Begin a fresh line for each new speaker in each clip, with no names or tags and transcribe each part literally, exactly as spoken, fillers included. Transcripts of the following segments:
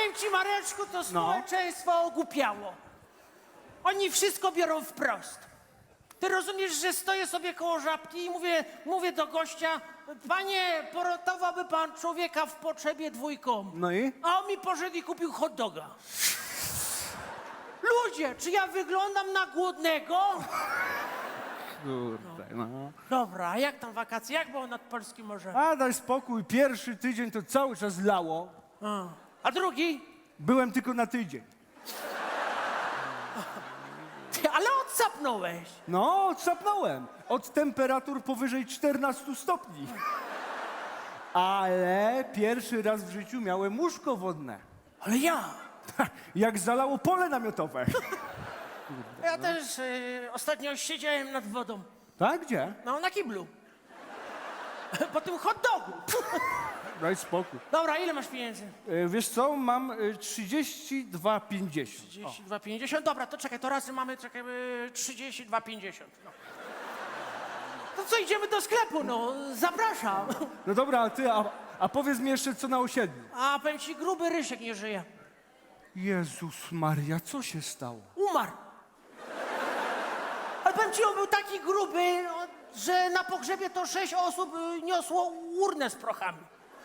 Powiem ci, Mareczku, to społeczeństwo ogłupiało. Oni wszystko biorą wprost. Ty rozumiesz, że stoję sobie koło żabki i mówię, mówię do gościa, panie, poratowałby pan człowieka w potrzebie dwójką.
No i?
A on mi poszedł i kupił hot doga. Ludzie, czy ja wyglądam na głodnego?
Kurde, no.
Dobra, a jak tam wakacje? Jak było nad Polskim Morzem?
A daj spokój, pierwszy tydzień to cały czas lało.
A, a drugi?
Byłem tylko na tydzień.
Ty, ale odsapnąłeś.
No, odsapnąłem. Od temperatur powyżej czternastu stopni. Ale pierwszy raz w życiu miałem łóżko wodne.
Ale ja.
Jak zalało pole namiotowe.
Ja też y, ostatnio siedziałem nad wodą.
Tak? Gdzie?
No, na kiblu. Po tym hot dogu.
Daj spokój.
Dobra, ile masz pieniędzy?
E, wiesz co, mam e, trzydzieści dwa pięćdziesiąt.
trzydzieści dwa pięćdziesiąt. Dobra, to czekaj, to razy mamy, czekaj, y, trzydzieści dwa pięćdziesiąt. No. To co, idziemy do sklepu, no. Zapraszam.
No dobra, a ty, a, a powiedz mi jeszcze co na osiedlu.
A powiem ci, gruby Rysiek nie żyje.
Jezus Maria, co się stało?
Umarł. Ale powiem ci, on był taki gruby, no, że na pogrzebie to sześć osób y, niosło urnę z prochami.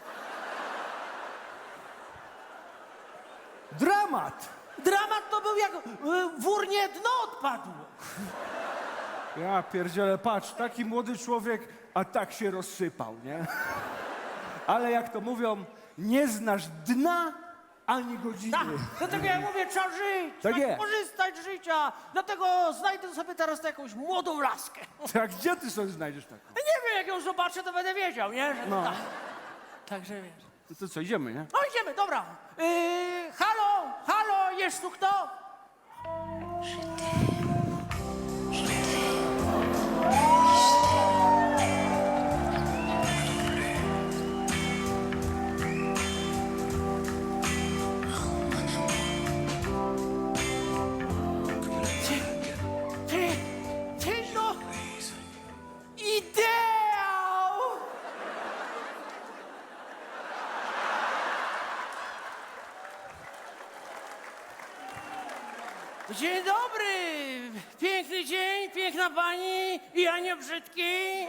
Dramat!
Dramat to był jak y, w urnie dno odpadło.
Ja pierdzielę, patrz, taki młody człowiek, a tak się rozsypał, nie? Ale jak to mówią, nie znasz dna ani godziny.
Tak, dlatego ja mówię, trzeba żyć,
Tak
trzeba
jest.
korzystać z życia. Dlatego znajdę sobie teraz jakąś młodą laskę.
Tak, gdzie ty sobie znajdziesz taką?
Nie wiem, jak ją zobaczę, to będę wiedział, nie? Że
No.
tak. Także wiesz.
No to co, idziemy, nie?
No idziemy, dobra. Yy, halo, halo, jest tu kto? Ty, ty, ty, no. Ideał! Dzień dobry! Piękny dzień, piękna pani i ja nie brzydki.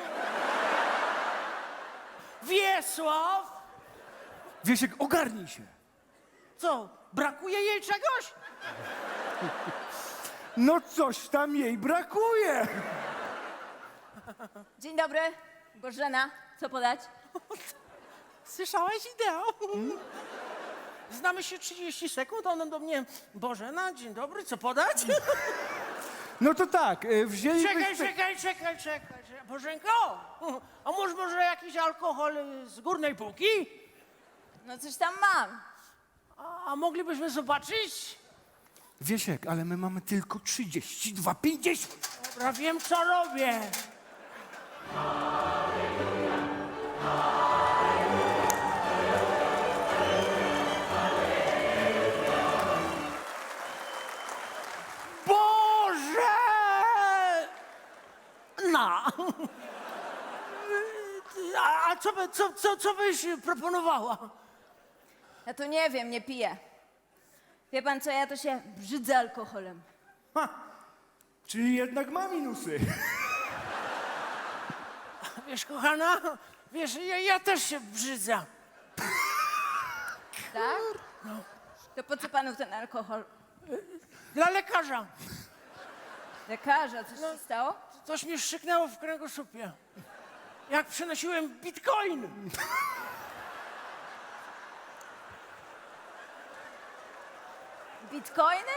Wiesław!
Wiesiek, ogarnij się.
Co, brakuje jej czegoś?
No coś tam jej brakuje.
Dzień dobry, Bożena, co podać?
Słyszałaś ideał? Znamy się trzydzieści sekund, a ona do mnie, Bożena, dzień dobry, co podać?
No to tak, e, wzięlibyśmy...
Czekaj, czekaj, czekaj, czekaj, czekaj. Bożenko, a może może jakiś alkohol z górnej półki?
No coś tam mam.
A, a moglibyśmy zobaczyć?
Wiesiek, ale my mamy tylko trzydzieści dwa pięćdziesiąt.
Dobra, wiem co robię. Boże! Na! A, a co, by, co, co, co byś proponowała?
Ja to nie wiem, nie piję. Wie pan co, ja to się brzydzę alkoholem.
Ha, czyli jednak ma minusy.
Wiesz, kochana, wiesz, ja, ja też się brzydzę.
Tak? To po co panu ten alkohol?
Dla lekarza.
Lekarza, coś się stało?
Coś mi szczyknęło w kręgosłupie. Jak przynosiłem bitcoin.
Bitcoiny?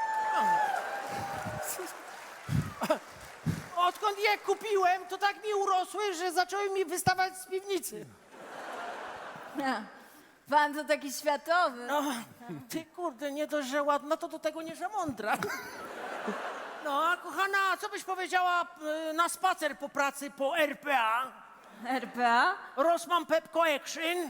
Odkąd je kupiłem, to tak mi urosły, że zaczęły mi wystawać z piwnicy.
Ha, pan to taki światowy.
No, ty kurde, nie dość, że ładna, to do tego nie za mądra. No, a kochana, co byś powiedziała y, na spacer po pracy po R P A?
R P A?
Rossmann Pepco Action.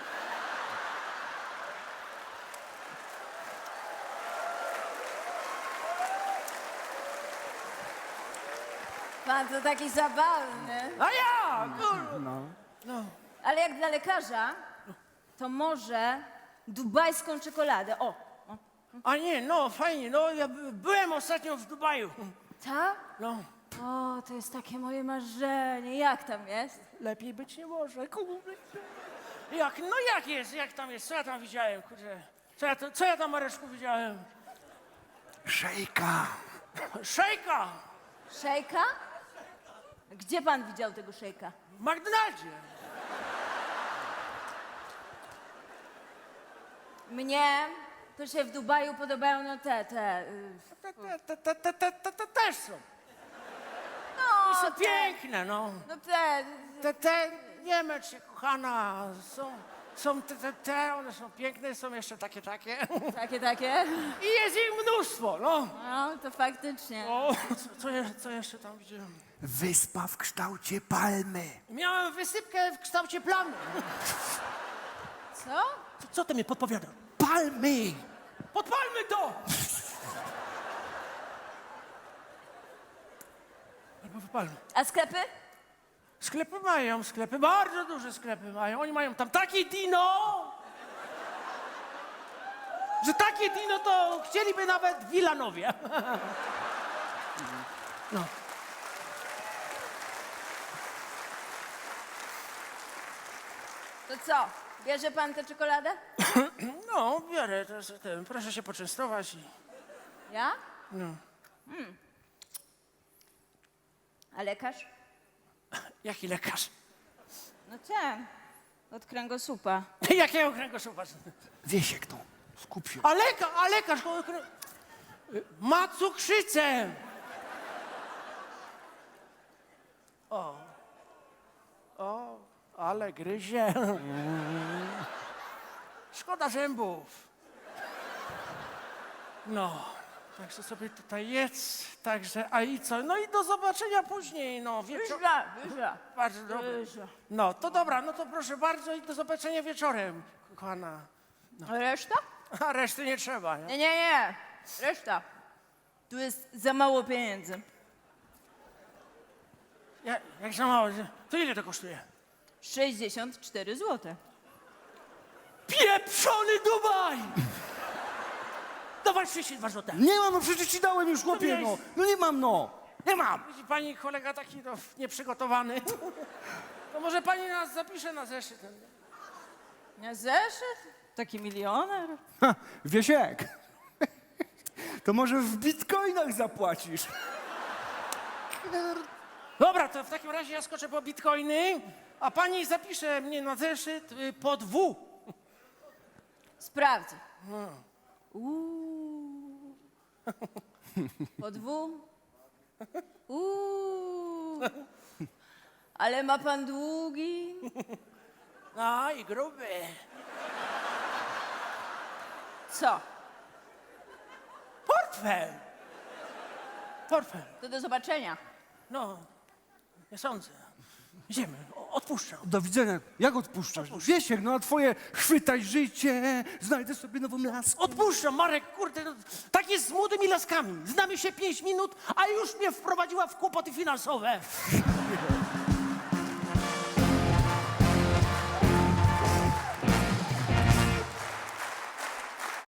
Pan to taki zabawny.
A ja, kurde.
No.
No.
Ale jak dla lekarza, to może dubajską czekoladę. O, o.
A nie, no fajnie, no ja by- byłem ostatnio w Dubaju.
Ta?
No,
O, to jest takie moje marzenie. Jak tam jest?
lepiej być nie może, kurde. Jak, no jak jest, jak tam jest, co ja tam widziałem, kurde. Co ja, to, co ja tam, Mareczku, widziałem?
Szejka.
Szejka
Szejka? Gdzie pan widział tego szejka?
w McDonaldzie.
Mnie to się w Dubaju podobają no te, te... y,
Te, te, te, te, te, te, te, te też są.
No,
Są
te,
piękne, no.
no te...
Te, te, nie męcz się, kochana, są, są te, te, te, one są piękne, są jeszcze takie, takie.
Takie, takie?
I jest ich mnóstwo, no.
No, to faktycznie.
O, co, co, je, co jeszcze tam widziałem?
Wyspa w kształcie palmy.
Miałem wysypkę w kształcie plamy.
Co?
Co, co ty mi podpowiada?
Palmy!
Podpalmy to! Albo wypalmy.
A sklepy?
Sklepy mają, sklepy, bardzo duże sklepy mają. Oni mają tam takie dino, że takie dino to chcieliby nawet w Wilanowie. No.
To co? Bierze pan tę czekoladę?
No, biorę, to, jest ten, proszę się poczęstować. I...
Ja?
No.
A lekarz?
Jaki lekarz?
No ten. Od kręgosłupa.
Jakiego kręgosłupa?
Wiesiek, no. Skup się.
A lekarz, a lekarz ko- krę... ma cukrzycę. O. O, ale gryzie. Szkoda zębów. No, także sobie tutaj jedz, także, a i co? No i do zobaczenia później, no. Wieczor...
Wyża, wyża.
Bardzo dobrze.
Wyża.
No, to dobra, no to proszę bardzo i do zobaczenia wieczorem, kochana.
A reszta?
A reszty nie trzeba, nie?
Nie, nie, nie. Reszta. Tu jest za mało pieniędzy.
Ja, jak za mało, to ile to kosztuje?
sześćdziesiąt cztery złote.
Pieprzony Dubaj! Dawaj trzydzieści dwa złote.
Nie mam, no przecież ci dałem już, chłopie,
miałeś-
no. No nie mam, no. Nie mam.
Widzi pani kolega taki no, nieprzygotowany. To może pani nas zapisze na zeszyt.
Na zeszyt? Taki milioner?
Ha, Wiesiek. To może w bitcoinach zapłacisz.
Dobra, to w takim razie ja skoczę po bitcoiny, a pani zapisze mnie na zeszyt y, pod W.
Sprawdzę. Uuu. Pod W. Uuu. Ale ma pan długi.
No i gruby.
Co?
Portfel. Portfel.
To do zobaczenia.
No, nie sądzę. Idziemy, o- odpuszczam.
Do widzenia. Jak odpuszczasz? Wiesiek, no a twoje chwytaj życie, znajdę sobie nową laskę.
Odpuszczam, Marek, kurde, no, tak jest z młodymi laskami. Znamy się pięć minut, a już mnie wprowadziła w kłopoty finansowe.